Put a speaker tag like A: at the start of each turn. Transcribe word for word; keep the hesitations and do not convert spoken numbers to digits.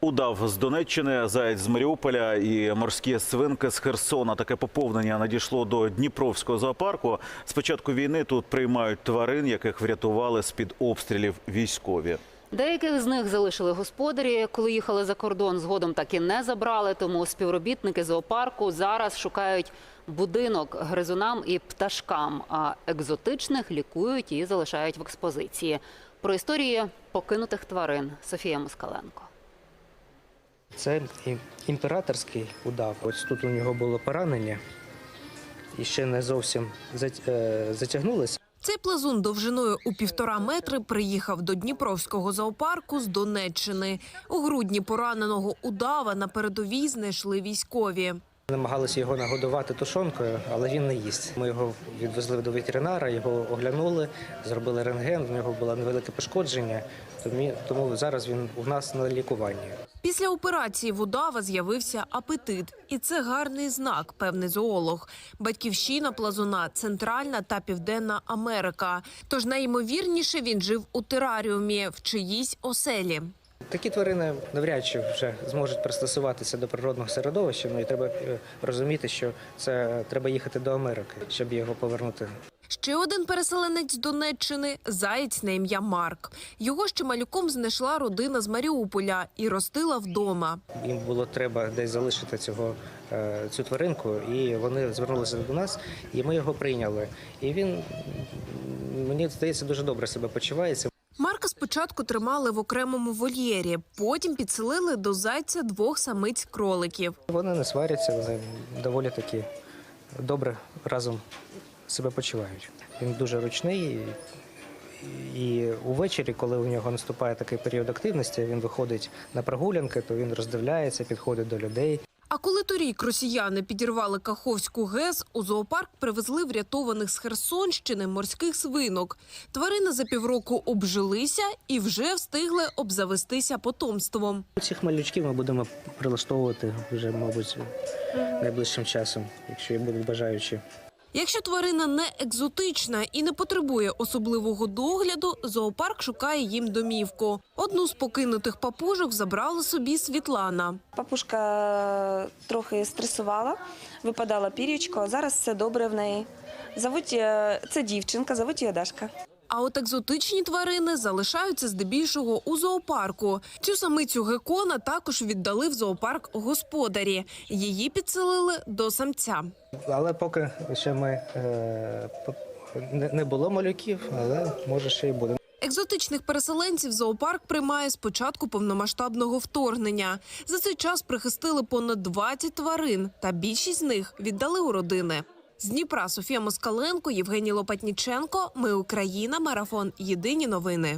A: Удав з Донеччини, заєць з Маріуполя і морські свинки з Херсона. Таке поповнення надійшло до Дніпровського зоопарку. З початку війни тут приймають тварин, яких врятували з-під обстрілів військові.
B: Деяких з них залишили господарі, коли їхали за кордон. Згодом так і не забрали, тому співробітники зоопарку зараз шукають будинок гризунам і пташкам, а екзотичних лікують і залишають в експозиції. Про історії покинутих тварин Софія Москаленко.
C: Це імператорський удав. Ось тут у нього було поранення і ще не зовсім затягнулося.
D: Цей плазун довжиною у півтора метри приїхав до Дніпровського зоопарку з Донеччини. У грудні пораненого удава на передовій знайшли військові.
C: Намагалися його нагодувати тушонкою, але він не їсть. Ми його відвезли до ветеринара, його оглянули, зробили рентген, в нього було невелике пошкодження, тому зараз він у нас на лікуванні.
D: Після операції в удава з'явився апетит. І це гарний знак, певний зоолог. Батьківщина плазуна – Центральна та Південна Америка. Тож найімовірніше він жив у тераріумі в чиїсь оселі.
C: Такі тварини навряд чи вже зможуть пристосуватися до природного середовища. Ну і треба розуміти, що це треба їхати до Америки, щоб його повернути.
D: Ще один переселенець з Донеччини – заєць на ім'я Марк. Його ще малюком знайшла родина з Маріуполя і ростила вдома.
C: Їм було треба десь залишити цього, цю тваринку, і вони звернулися до нас, і ми його прийняли. І він, мені здається, дуже добре себе почувається.
D: Марка спочатку тримали в окремому вольєрі, потім підселили до зайця двох самиць-кроликів.
C: Вони не сваряться, вони доволі таки добре разом себе почувають. Він дуже ручний, і увечері, коли у нього наступає такий період активності, він виходить на прогулянки, то він роздивляється, підходить до людей.
D: А коли торік росіяни підірвали Каховську ГЕС, у зоопарк привезли врятованих з Херсонщини морських свинок. Тварини за півроку обжилися і вже встигли обзавестися потомством.
C: Цих малючків ми будемо прилаштовувати вже, мабуть, найближчим часом, якщо будуть бажаючі.
D: Якщо тварина не екзотична і не потребує особливого догляду, зоопарк шукає їм домівку. Одну з покинутих папужок забрала собі Світлана.
E: Папушка трохи стресувала, випадала пір'ячко, а зараз все добре в неї. Зовуть, це дівчинка, зовуть її Дашка.
D: А от екзотичні тварини залишаються здебільшого у зоопарку. Цю самицю геккона також віддали в зоопарк господарі. Її підселили до самця.
C: Але поки ще ми, е, не було малюків, але може ще й буде.
D: Екзотичних переселенців зоопарк приймає з початку повномасштабного вторгнення. За цей час прихистили понад двадцять тварин, та більшість з них віддали у родини. З Дніпра Софія Москаленко, Євгеній Лопатніченко. Ми Україна. Марафон. Єдині новини.